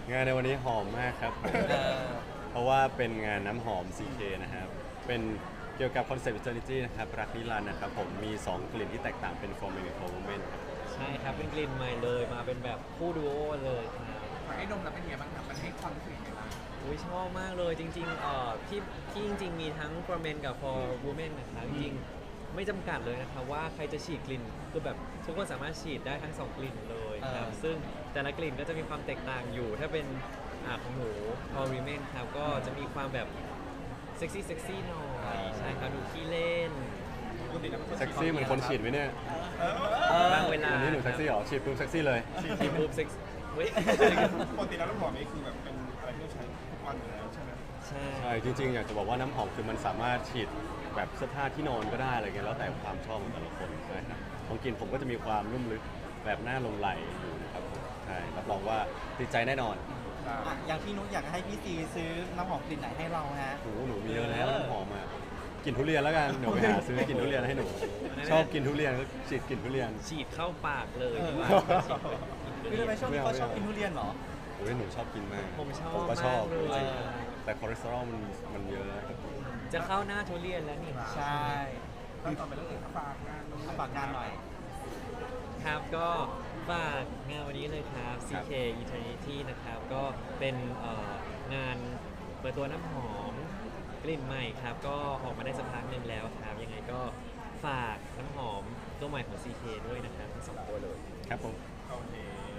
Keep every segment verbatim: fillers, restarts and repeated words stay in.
งานในวันนี้หอมมากครับผมเออเพราะว่าเป็นงานน้ำหอม ซี เค นะครับ เป็นเกี่ยวกับคอนเซปต์ Eternity นะครับรักนิรันดร์นะครับผมมี สอง กลิ่นที่แตกต่างเป็น For Men กับ For Women ครับใช่ครับเป็นกลิ่นใหม่เลยมาเป็นแบบคู่ดูโอเลยครับขอให้ดมแล้วเป็นไงบ้างครับมันให้ความรู้สึกยังไงบ้างอุ้ยชอบมากเลยจริงๆเอ่อที่ที่จริงๆมีทั้ง for men กับ for women นะครับจริงๆไม่จำกัดเลยนะครับว่าใครจะฉีดกลิ่นคือแบบทุกคนสามารถฉีดได้ทั้งสองกลิ่นเลยครับอ่าซึ่งแต่ละกลิ่นก็จะมีความแตกต่างอยู่ ถ้าเป็นอ่าของหนู for women ครับก็จะมีความแบบเซ็กซี่เซ็กซี่หน่อยใช่ครับดูขี้เล่นเซ็กซี่เหมือนคนฉีดไหมเนี่ยบางเวลาวันนี้หนูเซ็กซี่เหรอฉีดปุ๊บเซ็กซี่เลยฉีดปุ๊บเซ็กซี่เว้ยปกติแล้วน้ำหอมนี่คือแบบเป็นอะไรที่เราใช้ทุกวันอยู่แล้วใช่ไหมใช่ใช่จริงๆอยากจะบอกว่าน้ำหอมคือมันสามารถฉีดแบบเสื้อผ้าที่นอนก็ได้อะไรเงี้ยแล้วแต่ความชอบของแต่ละคนใช่ครับของกลิ่นผมก็จะมีความนุ่มลึกแบบหน้าลงไหลอยู่นะครับผมใช่รับรองว่าติดใจแน่นอนอ่ะอย่างพี่นุ๊กอยากให้พี่ซีซื้อน้ำหอมกลิ่นไหนให้เราฮะหนูหนูมีเยอะแล้วน้ำหอมอ่ะกลิ่นทุเรียนแล้วกันเดี๋ยวไปหาซื้อกลิ่นทุเรียนให้หนูชอบกินทุเรียนก็ฉีดกลิ่นทุเรียนฉีดเข้าปากเลยดีกว่าพี่ทำไมช่วงนี้เขาชอบกินทุเรียนเหรอโอ้ยหนูชอบกินมากผมชอบผมก็ชอบมากเลยจริงๆแต่คอเลสเตอรอลมันมันเยอะจะเข้าหน้าทุเรียนแล้วนี่ใช่แล้วต่อไปเรื่องอื่นฝากงานฝากงานหน่อยครับก็ฝากงานวันนี้เลยครับ ซี เค Eternity นะครับ ก็เป็นเอ่องานเปิดตัวน้ำหอมกลิ่นใหม่ครับ ก็ออกมาได้สักพักหนึ่งแล้วครับ ยังไงก็ฝากน้ำหอมตัวใหม่ของ ซี เค ด้วยนะครับทั้งสองตัวเลยครับผมโอเค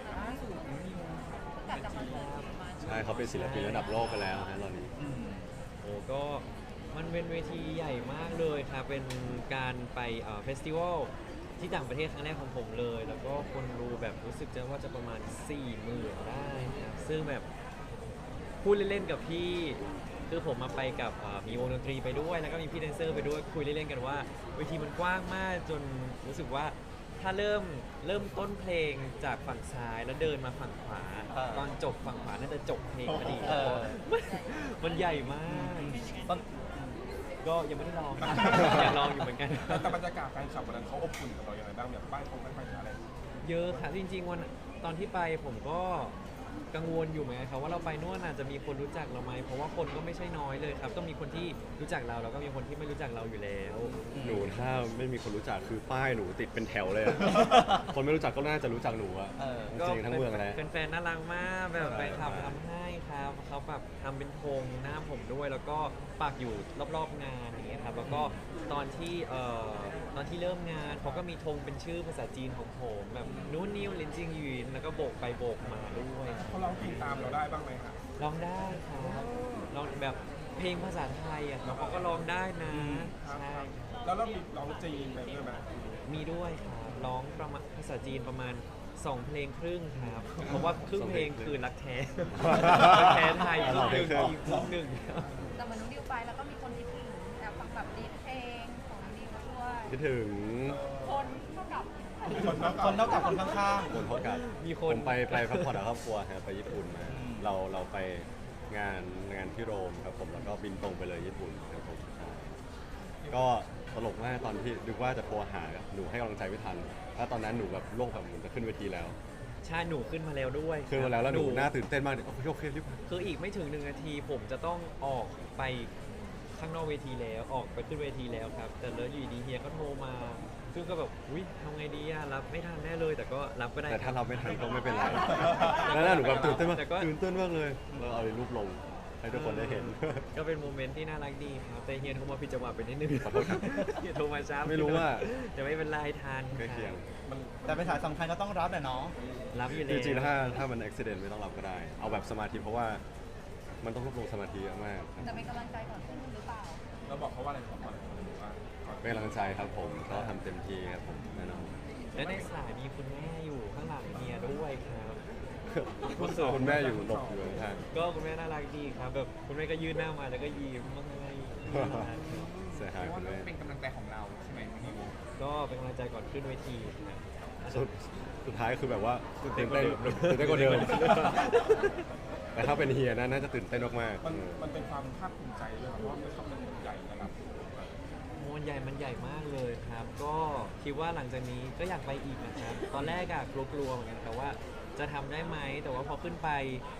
กลับจากคอนเสิร์ตจีนมาใช่เขาเป็นศิลปินระดับโลกไปแล้วนะตอนนี้อืมโอ้ก็มันเป็นเวทีใหญ่มากเลยครับ เป็นการไปเอ่อเฟสติวัลที่ต่างประเทศครั้งแรกของผมเลย แล้วก็คนดูแบบรู้สึกจะว่าจะประมาณสี่หมื่นได้ครับซึ่งแบบพูดเล่นๆกับพี่ คือผมมาไปกับเอ่อมีวงดนตรีไปด้วย แล้วก็มีพี่แดนเซอร์ไปด้วยคุยเล่นๆกันว่าเวทีมันกว้างมากจนรู้สึกว่าถ้าเริ่มเริ่มต้นเพลงจากฝั่งซ้ายแล้วเดินมาฝั่งขวาเออตอนจบฝั่งขวาน่าจะจบเพลงพอดีเออมันมันใหญ่มากต้นก็ยังไม่ได้ลอง อยากลองอยู่เหมือนกันแต่บรรยากาศแฟนคลับวันนั้นเขาอบอุ่นกับเราอย่างไรบ้างแบบป้ายคงไม่ป้ายอะไรเยอะค่ะจริงๆวันตอนที่ไปผมก็กังวลอยู่เหมือนกันครับว่าเราไปนู่นอาจจะมีคนรู้จักเราไหมเพราะว่าคนก็ไม่ใช่น้อยเลยครับก็มีคนที่รู้จักเราแล้วก็มีคนที่ไม่รู้จักเราอยู่แล้วหนูถ้าไม่มีคนรู้จักคือป้ายหนูติดเป็นแถวเลยอะ คนไม่รู้จักก็น่าจะรู้จักหนูอะเออจริงๆทั้งเมืองเลยแฟนๆน่ารักมากแบบใช่แฟนคลับทำให้ครับเขาแบบทำเป็นธงหน้าผมด้วย แล้วก็ปักอยู่รอบๆงานอย่างเงี้ยครับแล้วก็ตอนที่เอ่อตอนที่เริ่มงานเขาก็มีธงเป็นชื่อภาษาจีนของผมแบบนู้นนิวลินจิงหยินแล้วก็โบกไปโบกมาด้วยเขาร้องเพลงตามเราได้บ้างไหมครับร้องได้ครับร้องแบบเพลงภาษาไทยอ่ะเขาก็ร้องได้นะครับใช่แล้วเรามีร้องจีนไปด้วยไหมมีด้วยครับร้องประมาณภาษาจีนประมาณสองเพลงครึ่งครับ เพราะว่าครึ่งเพลงคือรักแท้ รักแท้ไทยครึ่งหนึ่งอีกครึ่งหนึ่งแต่เหมือนน้องดิวไปแล้วก็มีคนคิดถึงแอบฟังแบบดีเพลงของน้องดิวด้วยคิดถึงคนเท่ากับคนนอกจากคนข้างคนเท่ากับมีคผนมไปไปพักผ่อนกับครอบครัวครับไปญี่ปุ่นมาอืมเราเราไปงานงานที่โรมครับผมแล้วก็บินตรงไปเลยญี่ปุ่นครับผมใช่ก็ตลกมากตอนที่นึกว่าจะโทรหาหนูให้กำลังใจไม่ทันแล้วตอนนั้นหนูแบบโลกแบบเหมือนจะขึ้นเวทีแล้วใช่หนูขึ้นมาแล้วด้วยขึ้นมาแล้วแล้วหนูหน้าตื่นเต้นมากโอเคโอเครีบมาคืออีกไม่ถึงหนึ่งนาทีผมจะต้องออกไปข้างนอกเวทีแล้วออกไปขึ้นเวทีแล้วครับ แต่แล้วอยู่ดีเฮียก็โทรมา ซึ่งก็แบบอุ้ยทำไงดีอะรับไม่ทันแน่เลย แต่ก็รับก็ได้แต่ถ้าคเราบไม่ทันก็ไม่เป็นไรแล้วหน้าหนูแบบตื่นเต้นมากแต่ก็ตื่นเต้นมากเลยเราเอารูปลงให้ทุกคนได้เห็นก็เป็นโมเมนต์ที่น่ารักดีครับ แต่เฮียโทรมาผิดจังหวะไปนิดนึงขอโทษครับเฮียโทรมาช้าไม่รู้ว่าจะไม่เป็นไรทานใกล้เคียงมันๆ แต่เป็นสายสำคัญก็ต้องรับแหละเนาะรับอยู่จแล้วริงๆถ้าถ้ามันอุบิเหตุไม่ต้องรับก็ได้ เอาแบบสมาธิเพราะว่ามันต้องรวบรวมสมาธิเยอะมากครับจะเป็นกำลังใจก่อนขึ้นหรือเปล่าเราบอกเขาว่าอะไรบอกเขาหรือว่าก่อนเป็นกำลังใจครับผมก็ทำเต็มที่ครับผมแน่นอนและในสายมีคุณแม่อยู่ข้างหลังเฮียด้วยครับคุณแม่อยู่หลบอยู่ข้างก็คุณแม่น่ารักดีครับแบบคุณแม่ก็ยื่นหน้ามาแล้วก็ยิ้มมาให้ๆเสียเพหายราะคุว่าณแม่เป็นกำลังใจของเราใช่ไหมนิวก็เป็นกำลังใจก่อนขึ้นเวทีครับสุดสุดท้ายคือแบบว่าตื่นเต้นตื่นเต้นกว่าเดิมแต่ถ้าเป็นเฮียนะน่าจะตื่นเต้นมากๆมันเออมันเป็นความภาคภูมิใจด้วยครับเพราะว่ามันทำเป็นใหญ่ระดับมวลใหญ่มันใหญ่มากเลยครับ ก็คิดว่าหลังจากนี้ก็อยากไปอีกนะครับ ตอนแรกอะกลัวๆเหมือนกันครับว่าจะทำได้ไหมแต่ว่าพอขึ้นไป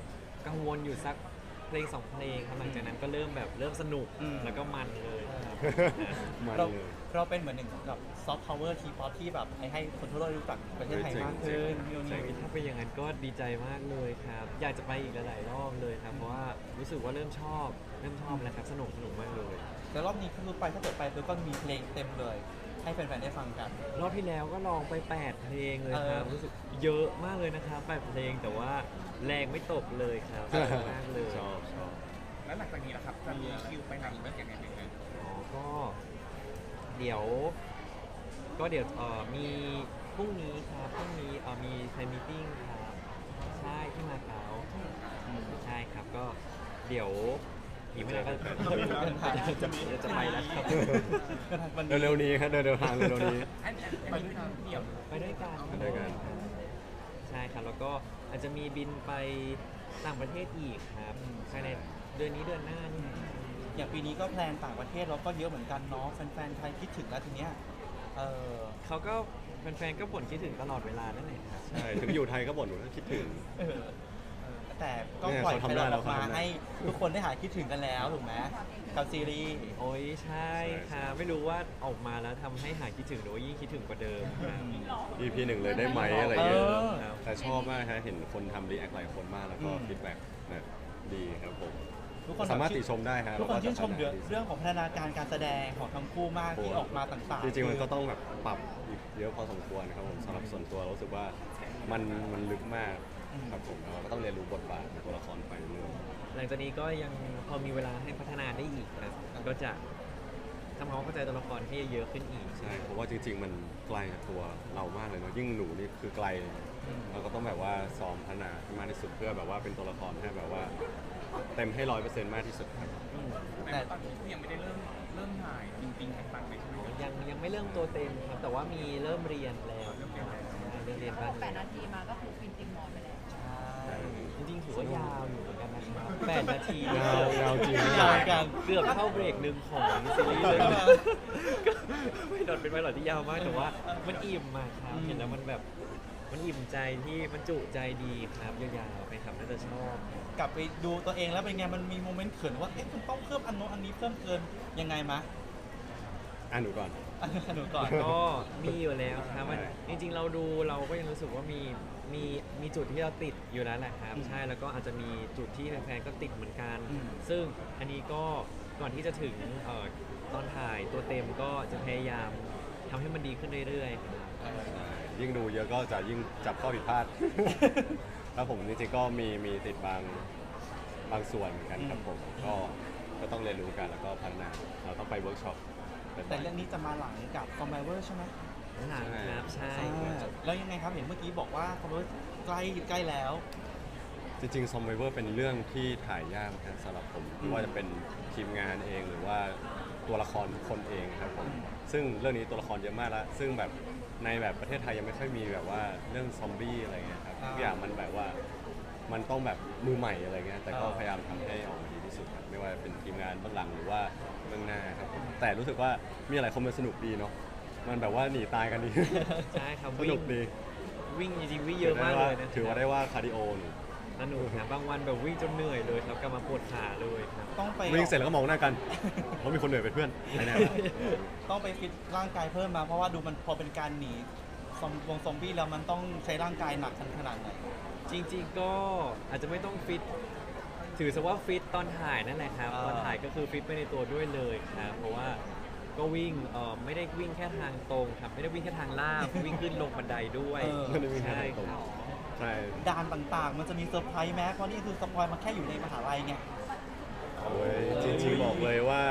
กังวลอยู่สักเพลงสองเพลงครับหลังจากนั้นก็เริ่มแบบเริ่มสนุกอืมแล้วก็มันเลยครับมันเราเลยเราเป็นเหมือนหนึ่งกับซอฟต์พาวเวอร์ทีป๊อปที่แบบให้คนทั่วโลกรู้จักประเทศไทยมากขึ้นพี่โอใช่นิวถ้าเป็นอย่างนั้นก็ดีใจมากเลยครับ อยากจะไปอีกหลายๆรอบเลยครับ เพราะว่ารู้สึกว่าเริ่มชอบ เริ่มชอบแล้วครับสนุกสนุกมากเลยแล้วรอบนี้คือไปถ้าเกิดไปคือก็มีเพลงเต็มเลย ให้แฟนๆได้ฟังกันรอบที่แล้วก็ลองไปแปดเพลงเลยครับเออรู้สึกเยอะมากเลยนะครับแปดเพลงแต่ว่าแรงไม่ตกเลยครับสนุกมากเลยชอบชอบแล้วหลังจากนี้ล่ะครับจะมีคิวไปไหนบ้างยังไงบ้างอ๋อก็เดี๋ยว ก็เดี๋ยวเอ่อมีพรุ่งนี้ครับพรุ่งนี้เอ่อมีแฟนมิทติ้งครับใช่ที่มาเก๊าใช่ครับก็เดี๋ยวอีกไม่นานก็จะจะจะไปแล้วครับเร็วๆนี้ครับเดินเดินทางเร็วๆนี้อันอันนี้คือเดี่ยวไปด้วยกันไปด้วยกันใช่ครับแล้วก็อาจจะมีบินไปต่างประเทศอีกครับภายในเดือนนี้เดือนหน้านี่อย่างปีนี้ก็แพลนต่างประเทศเราก็เยอะเหมือนกันเนาะแฟนๆไทยคิดถึงแล้วทีเนี้ยเออเขาก็แฟนๆก็บ่นคิดถึงตลอดเวลานั่นแหละครับใช่ถึงอยู่ไทยก็บ่นว่าคิดถึงเออแต่ก็เนี่ยปล่อยเขาไปทำได้เราแล้วออกมาเขาทำได้ให้ทุกคนได้หายคิดถึงกันแล้วถูกไหมกับซีรีส์โอ้ยใช่ค่ะไม่รู้ว่าออกมาแล้วทำให้หายคิดถึงหรือว่ายิ่งคิดถึงกว่าเดิมครับอี พีหนึ่งเลยได้ไหมอะไรเงี้ยเออครับแต่ชอบมากครับเห็นคนทำรีแอคหลายคนมากแล้วก็อืมฟีดแบ็กแบบดีครับผมทุกคนสามารถติชมได้ฮะทุกคนชื่นชมแล้วก็เรื่องของพัฒนาการการแสดงของทั้งคู่มากที่ออกมาต่างๆจริงๆมันก็ต้องแบบปรับอีกเยอะพอสมควรนะครับผมสำหรับส่วนตัวรู้สึกว่ามันมันลึกมากครับผมแล้วเราก็ต้องเรียนรู้บทบาทของตัวละครไปเรื่อยหลังจากนี้ก็ยังพอมีเวลาให้พัฒนาได้อีกครับก็จะทำความเข้าใจตัวละครให้เยอะขึ้นอีกๆใช่เพราะว่าจริง ๆ มันไกลจากตัวเรามากเลยเนาะยิ่งหนูนี่คือไกลเราก็ต้องแบบว่าซ้อมพัฒนาให้มากที่สุดเพื่อแบบว่าเป็นตัวละครให้แบบว่าเต็มให้ร้อยเปอร์เซ็นต์มากที่สุดครับแต่ตอนนี้คือยังไม่ได้เริ่มเริ่มถ่ายจริงๆต่างๆเลยใช่ไหมยังยังไม่เริ่มตัวเต็มครับ แต่ว่ามีเริ่มเรียนแล้วครับใช่เริ่มเรียนบ้างแปดนาทีมาก็คือฟินติงมอนไปแล้วใช่จริงๆถือว่ายาวอยู่เหมือนกันนะครับแปดนาทียาวยาวจริงยาวกันเกือบเข้าเบรกหนึ่งของซีรีส์เลยนะก็ไม่โดนเป็นไวรัสที่ยาวมากแต่ว่ามันอิ่มมากครับเห็นแล้วมันแบบมันอิ่มใจที่มันจุใจดีครับยาวๆไปครับน่าจะชอบกลับไปดูตัวเองแล้วเป็นไงมันมีโมเมนต์เขินว่าเอ๊ะมันต้องเพิ่มอันโน้นอันนี้เพิ่มเกินยังไงมะอ่ะหนูก่อนอันนี้หนูก่อนก็มีอยู่แล้วครับมันใช่จริงๆ เราดูเราก็ยังรู้สึกว่ามีมีมีจุดที่เราติดอยู่แล้วแหละครับอืมใช่แล้วก็อาจจะมีจุดที่แฟนๆก็ติดเหมือนกันอืมซึ่งอันนี้ก็ก่อนที่จะถึงเอ่อตอนถ่ายตัวเต็มก็จะพยายามทำให้มันดีขึ้นเรื่อยๆครับเออใช่ยิ่งดูเยอะก็จะยิ่งจับข้อผิดพลาด ครับผมจริงๆก็มีมีติดบางบางส่วนเหมือนกันครับผมก็ก็ต้องเรียนรู้กันแล้วก็พัฒนาเราต้องไปเวิร์กช็อปบ่อยๆแต่เรื่องนี้จะมาหลังกับคอมไบเวอร์ใช่ไหมหลังครับใช่อ่าแล้วยังไงครับเห็นเมื่อกี้บอกว่าคอมไบเวอร์ใกล้ใกล้แล้วจริงๆ ซอมไบเวอร์เป็นเรื่องที่ถ่ายยากนะสำหรับผมไม่ว่าจะเป็นทีมงานเองหรือว่าตัวละครทุกคนเองครับผมซึ่งเรื่องนี้ตัวละครเยอะมากแล้วซึ่งแบบในแบบประเทศไทยยังไม่ค่อยมีแบบว่าเรื่องซอมบี้อะไรเงี้ยครับอ่าทุกอย่างมันแบบว่ามันต้องแบบมือใหม่อะไรเงี้ยแต่ก็อ่าพยายามทำให้ออกมาดีที่สุดครับไม่ว่าเป็นทีมงานเบื้องหลังหรือว่าเบื้องหน้าครับผมแต่รู้สึกว่ามีอะไรคอมเมนต์สนุกดีเนาะมันแบบว่าหนีตายกันดีใช่ครับสวิ่นุงกดีวิ่งจริงๆวิ่งเยอะมากเลยนะถือว่าได้ว่าคาร์ดิโอหนูสนุกครับบางวันแบบวิ่งจนเหนื่อยเลยครับกลับมาปวดขาเลยครับต้องไปวิ่งเสร็จแล้วก็มองหน้ากันเพราะมีคนเหนื่อยเป็นเพื่อนไอ้แน่ต้องไปฟิตร่างกายเพิ่มมาเพราะว่าดูมันพอเป็นการหนีซอมวงซอมบี้แล้วมันต้องใช้ร่างกายหนักขนาดไหนจริงๆก็อาจจะไม่ต้องฟิต ถือซะว่าฟิตตอนถ่ายนั่นแหละครับอ่าตอนถ่ายก็คือฟิตไปในตัวด้วยเลยครับ เพราะว่าก็วิ่งเอ่อไม่ได้วิ่งแค่ทางตรงครับ ไม่ได้วิ่งแค่ทางลาบ วิ่งขึ้นลงบันไดด้วยเออไม่ได้วิ่งแค่ใช่ทางตรงครับใช่ด่านต่างๆ มันจะมีเซอร์ไพรส์แม้เพราะนี่คือสปอยล์มาแค่อยู่ในมหาลัยไงโอ้ยจริงๆบอกเลยว่า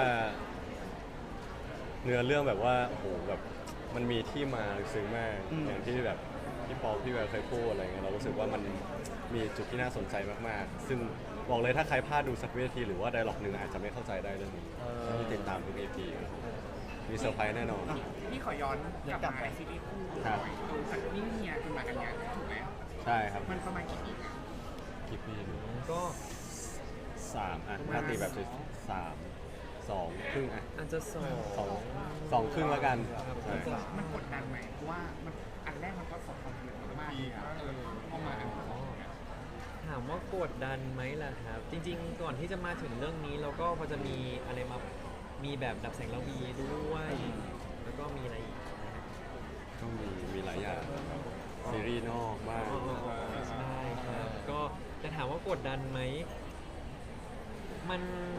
เนื้อเรื่องแบบว่าโอ้โหแบบมันมีที่มาลึกซึ้งมากอืมอย่างที่แบบพี่ปอพี่แววเคยพูดอะไรเงี้ยเรารู้สึกว่ามันมีจุดที่น่าสนใจมากๆ ซึ่งบอกเลยถ้าใครพลาดดูสักวินาทีหรือว่าไดร็อกหนึ่งอาจจะไม่เข้าใจได้เรื่องนี้ต้องติดตามทุก อี พี ครับมีเซอร์ไพรส์แน่นอนพี่ขอย้อนกลับมาในซีรีส์คู่หครัน่บอยดูจากนี่เมียคุณมากันยังถูกไหมใช่ครับมันประมาณกี่ปีอะกี่ปีก็สามอ่ะถ้าตีแบบสามสองครึ่งอ่ะอาจจะสองสองสองครึ่งแล้วกันครับใช่มันกดดันไหมเพราะว่ามันอันแรกมันก็สองความสำเร็จมากๆเลยอะเออพอมาอันที่สองเนี่ยถามว่ากดดันไหมล่ะครับ จริงๆ ก่อนที่จะมาถึงเรื่องนี้เราก็พอจะมีอะไรมามีแบบดับแสงระวีด้วย แล้วก็มีอะไรอีกนะฮะก็มีมีหลายอย่างครับซีรีส์นอกบ้างใช่ครับก็จะถามว่ากดดันไหมมัน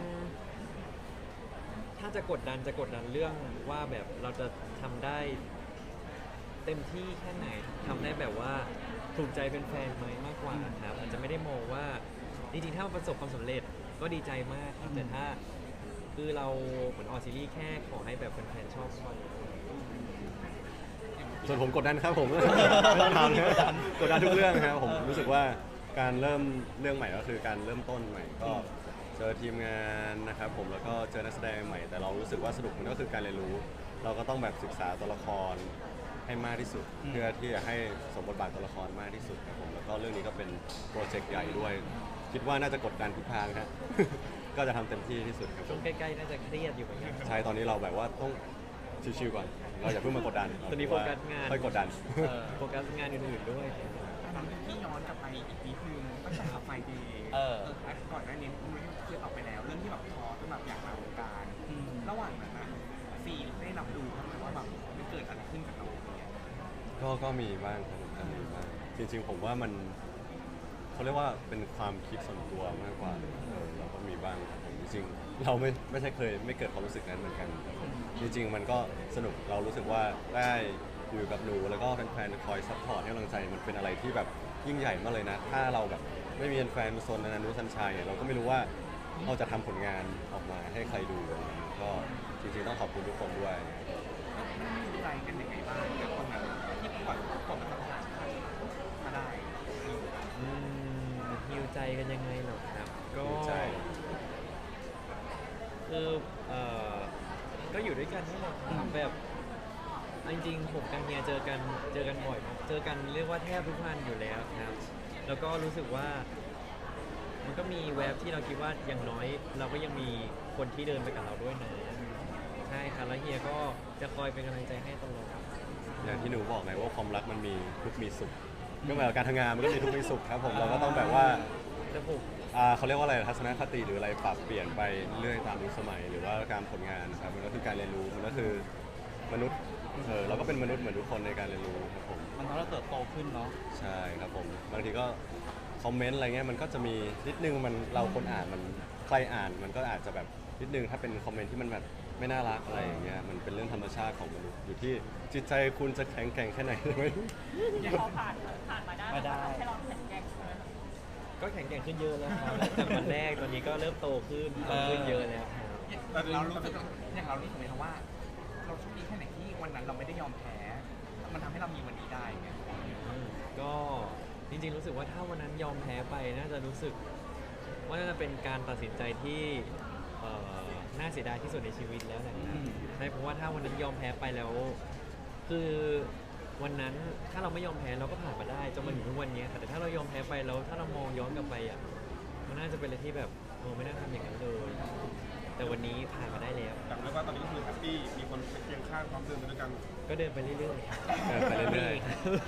ถ้าจะกดดันจะกดดันเรื่องว่าแบบเราจะทำได้เต็มที่แค่ไหนทำได้แบบว่าถูกใจเป็นแฟนๆไหมมากกว่าครับอาจจะไม่ได้มองว่าจริงๆถ้ามันประสบความสำเร็จก็ดีใจมากครับแต่ถ้าคือเราเหมือนออกซีรีส์แค่ขอให้แบบแฟนๆชอบพอส่วนผมกดดันครับผม ไม่ต้องทำนะกดดันทุกเรื่องครับผมรู้สึกว่าการเริ่มเรื่องใหม่ก็คือการเริ่มต้นใหม่ก็เจอทีมงานนะครับผมแล้วก็เจอนักแสดงใหม่แต่เรารู้สึกว่าสนุกมันก็คือการเรียนรู้ เราก็ต้องแบบศึกษาตัวละครให้มากที่สุดอืมเพื่อที่จะให้สมบทบาทตัวละครมากที่สุดครับผมแล้วก็เรื่องนี้ก็เป็นโปรเจกต์ใหญ่ด้วย คิดว่าน่าจะกดดันทุกทางครับ ก็จะทำเต็มที่ที่สุดครับผช่วงมใกล้ๆน่าจะเครียดอยู่เหมือนกันใช่ตอนนี้เราแบบว่าต้องชิวๆก่อนเราอย่าเพิ่งมากดดันตอนนี้โฟกัสงานค่อยกดดันเออโฟกัสงานอื่นๆด้วยตอนที่ย้อนกลับไปอีกนิดนึงตั้งแต่ขับไฟเดย์เออก่อนหน้านี้คุณเคยตอบไปแล้ว เรื่องที่แบบท้อจนแบบอยากมาวงการอืมระหว่างนั้นนะซีได้รับรู้ไหมว่าแบบมันเกิดอะไรขึ้นกับเราเนี่ยก็ก็มีบ้างครับผมก็มีบ้างจริงๆผมว่ามันเขาเรียกว่าเป็นความคิดส่วนตัวมากกว่าเออเราก็มีบ้างครับผมจริงๆเราไม่ไม่ใช่เคยไม่เกิดความรู้สึกนั้นเหมือนกันครับผมจริงๆมันก็สนุกเรารู้สึกว่าได้อยู่กับหนูแล้วก็แฟนๆคอยซัพพอร์ตให้กำลังใจมันเป็นอะไรที่แบบยิ่งใหญ่มากเลยนะ ถ้าเราแบบไม่มีแฟนๆโซนนานุสัญชัยเนี่ยเราก็ไม่รู้ว่าเราจะทำผลงานออกมาให้ใครดูอะไรอย่างเงี้ยก็จริงๆต้องขอบคุณทุกคนด้วยมันมีใจกันยังไงบ้างกับตรงนั้นที่ปล่อยปล่อยมันผ่านมาได้อืมฮิวใจกันยังไงเหรอครับ ก็ฮิวใจคือเอ่อก็อยู่ด้วยกันนี่แหละครับแบบเอาจริงๆผมกับเฮียเจอกันเจอกันบ่อยมากเจอกันเรียกว่าแทบทุกวันอยู่แล้วครับ แล้วก็รู้สึกว่า มันก็มีแวบที่เราคิดว่าอย่างน้อย เราก็ยังมีคนที่เดินไปกับเราด้วยนะใช่ครับแล้วเฮียก็จะคอยเป็นกำลังใจให้ตลอดอย่างที่หนูบอกไงว่าความรักมันมีทุกข์มีสุขก็เหมือนกับการทำงานมันก็มีทุกข์มีสุขครับผมเราก็ต้องแบบว่าแต่ผมอ่าเขาเรียกว่าอะไรทัศนคติหรืออะไรปรับเปลี่ยนไปเรื่อยตามยุคสมัย หรือว่าการผลงานนะครับมันก็คือการเรียนรู้มันก็คือมนุษย์เออเราก็เป็นมนุษย์เหมือนทุกคนในการเรียนรู้ครับผมมันทำให้เราเติบโตขึ้นเนาะใช่ครับผมบางทีก็คอมเมนต์อะไรเงี้ยมันก็จะมีนิดนึงมันเราคนอ่านมันใครอ่านมันก็อาจจะแบบนิดนึงถ้าเป็นคอมเมนต์ที่มันแบบไม่น่ารักอะไรอย่างเงี้ยมันเป็นเรื่องธรรมชาติของมนุษย์อยู่ที่จิตใจคุณจะแข็งแกร่งแค่ไหน ใช่ไหมพอผ่านผ่านมาได้มาได้มันทำให้เราแข็งแกร่งใช่ไหมก็แข็งแกร่งขึ้นเยอะแล้วครับจากวันแรกตอนนี้ก็เริ่มโตขึ้นโตขึ้นเยอะแล้วครับแต่เรารู้สึกอย่างเรารู้สึกไหมครับว่า เราโชคดีแค่ไหนที่วันนั้นเราไม่ได้ยอมแพ้ มันทำให้เรามีวันนี้ได้ไงอืมก็จริงๆรู้สึกว่าถ้าวันนั้นยอมแพ้ไปน่าจะรู้สึกว่าน่าจะเป็นการตัดสินใจที่เอ่อน่าเสียดายที่สุดในชีวิตแล้วแหละครับใช่เพราะว่าถ้าวันนั้นยอมแพ้ไปแล้ว คือวันนั้นถ้าเราไม่ยอมแพ้เราก็ผ่านมาได้จนมาถึงทุกวันนี้ค่ะแต่ถ้าเรายอมแพ้ไปแล้วถ้าเรามองย้อนกลับไปอ่ะมันน่าจะเป็นอะไรที่แบบโอ้ไม่น่าทำอย่างนั้นเลยแต่วันนี้ผ่านมาได้แล้วแต่เรียกว่าตอนนี้ก็คือแฮปปี้มีคนเป็นเคียงข้างพร้อมเดินไปด้วยกันก็เดินไปเรื่อยๆเดินไปเรื่อย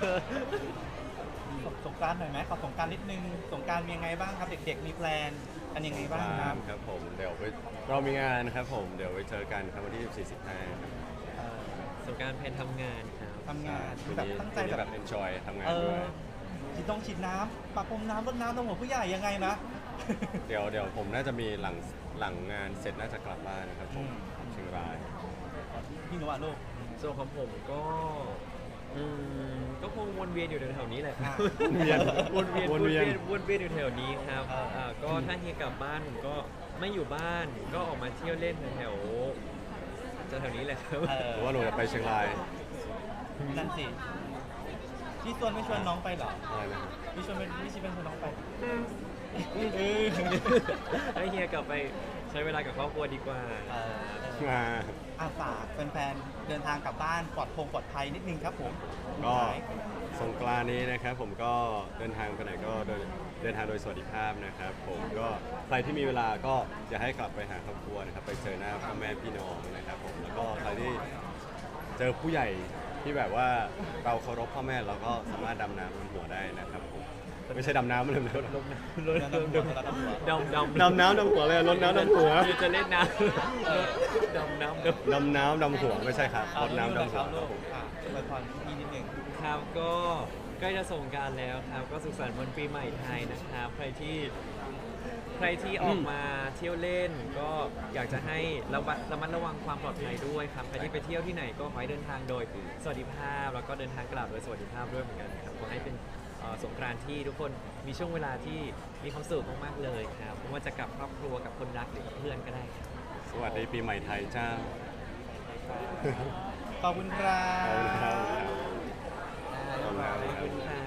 สงสงกรารหน่อยไหมขอสงกรารนิดนึงสงกรารมียังไงบ้างครับ เด็กๆมีแพลนกันยังไงบ้างครับครับผมเดี๋ยวไปเรามีงานนะครับผมเดี๋ยวไปเจอกันครับวันที่สิบสี่ สิบห้าครับเออสงกรารแพนทำงานครับทำงานคืนแบบนี้ตั้งใจคืนนี้แบแบบ บ enjoy ทำงานเอด้อวยฉีดต้องฉีดน้ำปะพรมน้ำรดน้ำตรงหัวผู้ใหญ่ยังไงนะเดี๋ยวเดี๋ยวผมน่าจะมีหลังหลังงานเสร็จน่าจะกลับบ้านนะครับผมอืมเชียงรายพี่หนูอ่ะลูกส่วนของผมก็อืมก็คงวนเวียนอยู่แถวๆนี้แหละครับอ่ะวนเวียนววน นเวีเวียยนนวนเวียนอยู่แถวนี้ครับเอออ่าก็ถ้าเฮียกลับบ้านผมก็ไม่อยู่บ้านก็ออกมาเที่ยวเล่นแถวๆแถวๆนี้แหละครับเอหอรือว่าหนูจะไปเชียงรายนั่นสิพี่ชวนไม่ชวนน้องไปเหรออะไรนะครับพี่ชวนไม่พี่ชิเป็นชวนน้องไปเออให้เฮียกลับไปใช้เวลากับครอบครัวดีกว่าเออมาอาฝากแฟนๆเดินทางกลับบ้านปลอดพงปลอดภัยนิดนึงครับผมก็สงกรานต์นี้นะครับผมก็เดินทางไปไหนก็เดินเดินทางโดยสวัสดิภาพนะครับผมก็ใครที่มีเวลาก็อยากให้กลับไปหาครอบครัวนะครับไปเจอหน้าพ่อแม่พี่น้องนะครับผมแล้วก็ใครที่เจอผู้ใหญ่ที่แบบว่าเราเคารพพ่อแม่เราก็สามารถดำน้ำบนหัวได้นะครับผมไม่ใช่ดำน้ำมันเลยลดน้ำลดน้ำดำดำดำดำน้ำดำหัวเลยลดน้ำดำหัวคือจะเล่นน้ำดำน้ำดำดำน้ำดำหัวไม่ใช่ครับลดน้ำดำหัวลูกอ่ะอวยพรพี่นิดนึงครับก็ใกล้จะส่งกรารแล้วครับ ก็สุขสันต์วันปีใหม่ไทยนะครับ ใครที่ใครที่ออกมาเที่ยวเล่น ก็อยากจะให้ระมัดระมัดระวังความปลอดภัยด้วยครับ ใครที่ไปเที่ยวที่ไหนก็ขอให้เดินทางโดยสวัสดิภาพ แล้วก็เดินทางกลับโดยสวัสดิภาพด้วยเหมือนกันครับขอให้เป็นเอ่อสงกรานต์ที่ทุกคนมีช่วงเวลาที่มีความสุขมากๆเลยครับไม่ว่าจะกับครอบครัวกับคนรักหรือกับเพื่อนก็ได้ครับสวัสดีปีใหม่ไทยเจ้าขอบคุณครับขอบคุณครับขอบคุณครับ